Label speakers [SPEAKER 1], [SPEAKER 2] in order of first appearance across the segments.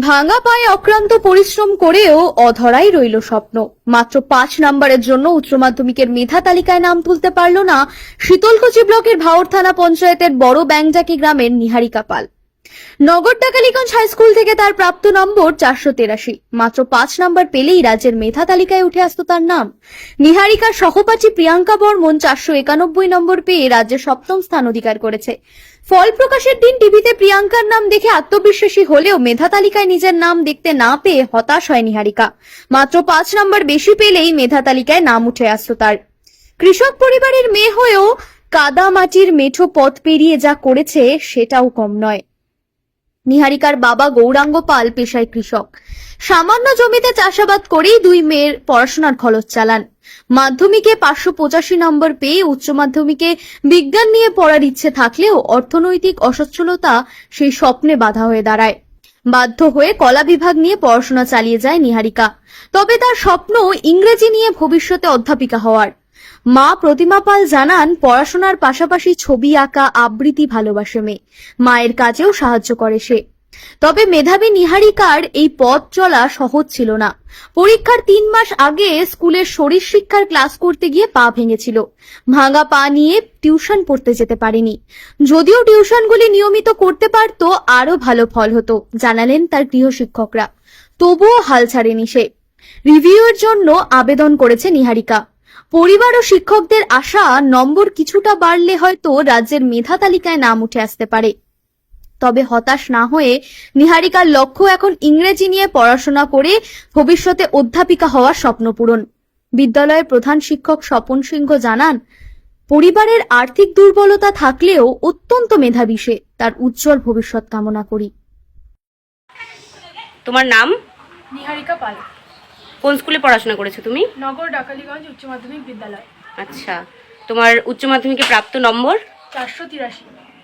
[SPEAKER 1] ভাঙা পায়ে অক্লান্ত পরিশ্রম করেও অধরাই রইল স্বপ্ন। মাত্র ৫ নম্বরের জন্য উচ্চ মাধ্যমিকের মেধা তালিকায় নাম তুলতে পারল না শীতলকুচি ব্লকের ভাওর থানা পঞ্চায়েতের বড় ব্যাংজাকি গ্রামের নিহারিকা পাল। নগর টাকালীগঞ্জ হাই স্কুল থেকে তার প্রাপ্ত নম্বর ৪৮৩। মাত্র ৫ নম্বর পেলেই রাজ্যের মেধা তালিকায় উঠে আসতো তার নাম। নিহারিকার সহপাঠী প্রিয়াঙ্কা বর্মন ৪৯১ নম্বর পেয়ে রাজ্যে ৭ম স্থান অধিকার করেছে। ফল প্রকাশের দিন টিভিতে প্রিয়াঙ্কার নাম দেখে আত্মবিশ্বাসী হলেও মেধা তালিকায় নিজের নাম দেখতে না পেয়ে হতাশ হয় নিহারিকা। মাত্র ৫ নম্বর বেশি পেলেই মেধা তালিকায় নাম উঠে আসতো তার। কৃষক পরিবারের মেয়ে হয়েও কাদা মাটির মেঠো পথ পেরিয়ে যা করেছে সেটাও কম নয়। নিহারিকার বাবা গৌরাঙ্গ পাল পেশায় কৃষক। সামান্য জমিতে চাষাবাদ করেই দুই মেয়ের পড়াশোনার খরচ চালান। মাধ্যমিকে ৫৮৫ নম্বর পেয়ে উচ্চ মাধ্যমিকে বিজ্ঞান নিয়ে পড়ার ইচ্ছে থাকলেও অর্থনৈতিক অসচ্ছলতা সেই স্বপ্নে বাধা হয়ে দাঁড়ায়। বাধ্য হয়ে কলা বিভাগ নিয়ে পড়াশোনা চালিয়ে যায় নিহারিকা। তবে তার স্বপ্ন ইংরেজি নিয়ে ভবিষ্যতে অধ্যাপিকা হওয়ার। মা প্রতিমা পাল জানান, পড়াশোনার পাশাপাশি ছবি আঁকা আবৃত্তি ভালোবাসে মেয়ে। মায়ের কাজেও সাহায্য করে সে। তবে মেধাবী নিহারিকার এই পথ চলা সহজ ছিল না। পরীক্ষার ৩ মাস আগে স্কুলের শরীর শিক্ষার ক্লাস করতে গিয়ে পা ভেঙেছিল। ভাঙা পা নিয়ে টিউশন পড়তে যেতে পারেনি। যদিও টিউশনগুলি নিয়মিত করতে পারত আরো ভালো ফল হতো, জানালেন তার গৃহশিক্ষকরা। তবুও হাল ছাড়েনি সে। রিভিউয়ের জন্য আবেদন করেছে নিহারিকা। পরিবার ও শিক্ষকদের আশা, নম্বর কিছুটা বাড়লে হয়তো রাজ্যের মেধা তালিকায় নাম উঠে আসতে পারে। তবে হতাশ না হয়ে নিহারিকার লক্ষ্য এখন ইংরেজি নিয়ে পড়াশোনা করে ভবিষ্যতে অধ্যাপিকা হওয়ার স্বপ্ন পূরণ। বিদ্যালয়ের প্রধান শিক্ষক স্বপন সিংহ জানান, পরিবারের আর্থিক দুর্বলতা থাকলেও অত্যন্ত মেধাবী সে। তার উজ্জ্বল ভবিষ্যৎ কামনা করি।
[SPEAKER 2] তোমার নাম?
[SPEAKER 3] নিহারিকা পাল।
[SPEAKER 2] কোন স্কুলে পড়াশোনা করেছো তুমি?
[SPEAKER 3] নগর টাকালীগঞ্জ উচ্চ মাধ্যমিক বিদ্যালয়।
[SPEAKER 2] আচ্ছা, তোমার উচ্চ মাধ্যমিকে প্রাপ্ত নম্বর?
[SPEAKER 3] ৪৮৩।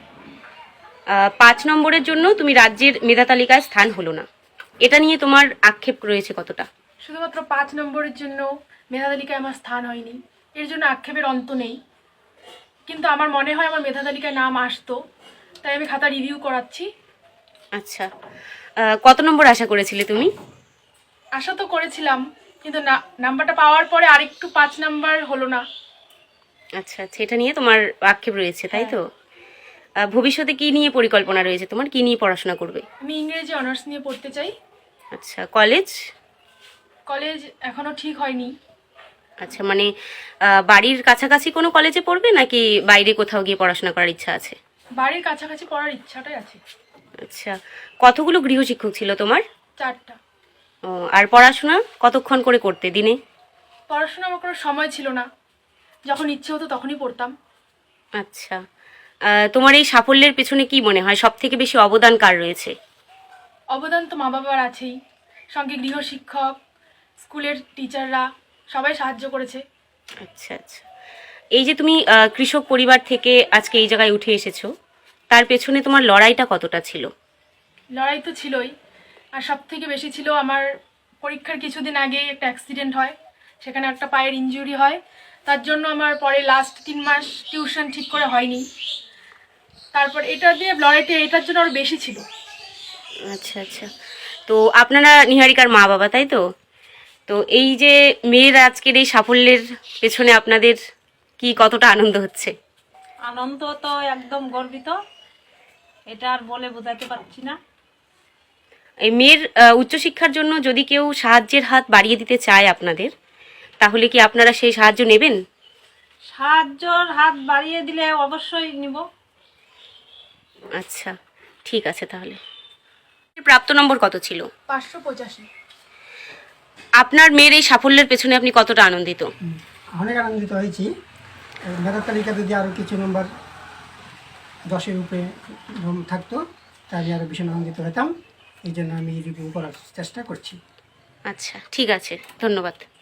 [SPEAKER 2] ৫ নম্বরের জন্য তুমি রাজ্যের মেধা তালিকায় স্থান হলো না, এটা নিয়ে তোমার আক্ষেপ রয়েছে কতটা?
[SPEAKER 3] শুধুমাত্র ৫ নম্বরের জন্য মেধা তালিকায় আমার স্থান হয়নি, এর জন্য আক্ষেপের অন্ত নেই। কিন্তু আমার মনে হয় আমার মেধা তালিকায় নাম আসতো, তাই আমি খাতা রিভিউ করাচ্ছি।
[SPEAKER 2] আচ্ছা, কত নম্বর আশা করেছিলে তুমি?
[SPEAKER 3] আশা তো করেছিলাম, কিন্তু নাম্বারটা পাওয়ার পরে আরেকটু ৫ নাম্বার হলো না।
[SPEAKER 2] আচ্ছা আচ্ছা, এটা নিয়ে তোমার আক্ষেপ রয়েছে, তাই তো? ভবিষ্যতে কি নিয়ে পরিকল্পনা রয়েছে তোমার? কি নিয়ে পড়াশোনা করবে?
[SPEAKER 3] আমি ইংরেজি অনার্স নিয়ে পড়তে চাই।
[SPEAKER 2] আচ্ছা, কলেজ?
[SPEAKER 3] কলেজ এখনো ঠিক হয়নি।
[SPEAKER 2] আচ্ছা, মানে বাড়ির কাছাকাছি কোনো কলেজে পড়বে নাকি বাইরে কোথাও গিয়ে পড়াশোনা করার ইচ্ছা আছে?
[SPEAKER 3] বাড়ির কাছাকাছি পড়ার ইচ্ছাটাই আছে।
[SPEAKER 2] আচ্ছা, কতগুলো গৃহশিক্ষক ছিল তোমার?
[SPEAKER 3] 4টা।
[SPEAKER 2] ও, আর পড়াশোনা কতক্ষণ করে করতে দিনে?
[SPEAKER 3] পড়াশোনা আমার কোনো সময় ছিল না, যখন ইচ্ছে হতো তখনই পড়তাম।
[SPEAKER 2] আচ্ছা, তোমার এই সাফল্যের পেছনে কি মনে হয় সব থেকে বেশি অবদান কার রয়েছে?
[SPEAKER 3] অবদান তো মা বাবার আছেই, সঙ্গে গৃহশিক্ষক, স্কুলের টিচাররা সবাই সাহায্য করেছে।
[SPEAKER 2] আচ্ছা আচ্ছা, এই যে তুমি কৃষক পরিবার থেকে আজকে এই জায়গায় উঠে এসেছো, তার পেছনে তোমার লড়াইটা কতটা ছিল?
[SPEAKER 3] লড়াই তো ছিলই, আর সব থেকে বেশি ছিল আমার পরীক্ষার কিছুদিন আগেই একটা অ্যাক্সিডেন্ট হয়, সেখানে একটা পায়ের ইনজুরি হয়। তার জন্য আমার পরে লাস্ট 3 মাস টিউশন ঠিক করে হয়নি। তারপর এটা দিয়ে লড়াইটা এটার জন্য আরও বেশি ছিল।
[SPEAKER 2] আচ্ছা আচ্ছা, তো আপনারা নিহারিকার মা বাবা, তাই তো? তো এই যে মেয়ের আজকের এই সাফল্যের পেছনে আপনাদের কি কতটা আনন্দ হচ্ছে?
[SPEAKER 4] আনন্দ তো একদম গর্বিত, এটা আর বলে বোঝাতে পারছি না।
[SPEAKER 2] এই মেয়ের উচ্চশিক্ষার জন্য যদি কেউ সাহায্যের হাত বাড়িয়ে দিতে চায় আপনাদের, তাহলে কি আপনারা সেই সাহায্য নেবেন?
[SPEAKER 4] সাহায্যর হাত বাড়িয়ে দিলে অবশ্যই নিব।
[SPEAKER 2] আচ্ছা, ঠিক আছে। তাহলে প্রাপ্ত নম্বর কত ছিল?
[SPEAKER 3] 585।
[SPEAKER 2] আপনার মেয়ের এই সাফল্যের পেছনে আপনি কতটা আনন্দিত?
[SPEAKER 5] অনেক আনন্দিত হয়েছি। মেধার তালিকা যদি আরও কিছু নম্বর 10-এর উপরে থাকতো তাহলে আরও ভীষণ আনন্দিত হতাম। এই জন্য আমি রিভিউ করার চেষ্টা করছি।
[SPEAKER 2] আচ্ছা, ঠিক আছে, ধন্যবাদ।